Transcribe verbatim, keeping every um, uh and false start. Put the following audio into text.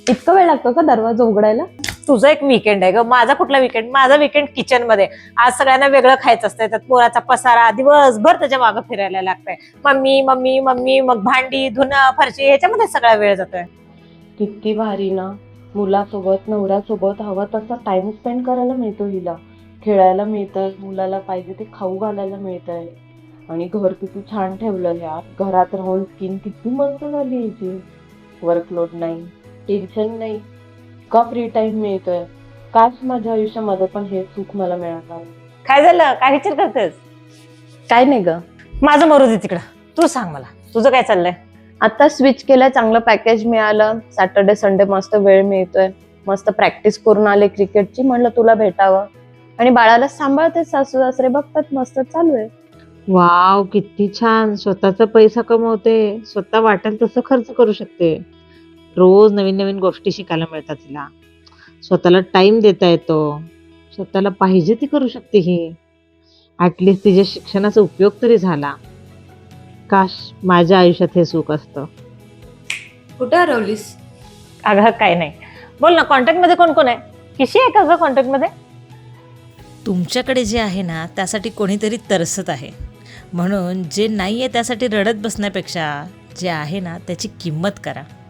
इतका वेळ लागतो का दरवाजा उघडायला? तुझं एक विकेंड आहे ग, माझा कुठला विकेंड? माझा विकेंड किचन मध्ये. आज सगळ्यांना वेगळं खायचं असतंय, त्यात पोराचा पसारा, दिवसभर त्याच्या मागं फिरायला लागतंय. मम्मी मम्मी मम्मी, मग भांडी धुणं फरशी, ह्याच्यामध्ये सगळा वेळ जातोय. किती भारी ना, मुलासोबत नवऱ्यासोबत हवा तसा टाइम स्पेंड करायला मिळतो हिला. खेळायला मिळतंय, मुलाला पाहिजे ते खाऊ घालायला मिळतंय. आणि घर किती छान ठेवलं यार. घरात राहून स्किन किती मस्त झाली याची. वर्कलोड नाही, टेन्शन नाही, का फ्री टाइम मिळतोय. काश माझ्या आयुष्यामध्ये पण हे सुख मला मिळालं. काय झालं? काय विचार करतेस? काय नाही ग, माझं मरू दे तिकडं. तू सांग मला, तुझं काय चाललंय? आता स्विच केलंय, चांगलं पॅकेज मिळालं. सॅटर्डे संडे मस्त वेळ मिळतोय. मस्त प्रॅक्टिस करून आले क्रिकेटची, म्हणलं तुला भेटावं. आणि बाळाला सांभाळते, सासू सासरे बघतात, मस्त चालू आहे. वाव, किती छान. स्वतःचा पैसा कमवते, स्वतः वाटेल तसं खर्च करू शकते. रोज नवीन नवीन गोष्टी शिकायला मिळतात तिला. स्वतःला टाइम देता येतो, स्वतःला पाहिजे ती करू शकते ही. ऍटलिस्ट तिच्या शिक्षणाचा उपयोग तरी झाला. काश माझ्या आयुष्यात हे सुख असतं. कुठे हरवलीस? अगं काय नाही, बोल ना. कॉन्टॅक्ट मध्ये कोण कोण आहे? किशी आहे का ग कॉन्टॅक्ट मध्ये? तुमच्याकडे जे आहे ना त्यासाठी कोणीतरी तरसत आहे, म्हणून जे नाही आहे त्यासाठी रडत बसण्यापेक्षा जे आहे ना त्याची किंमत करा.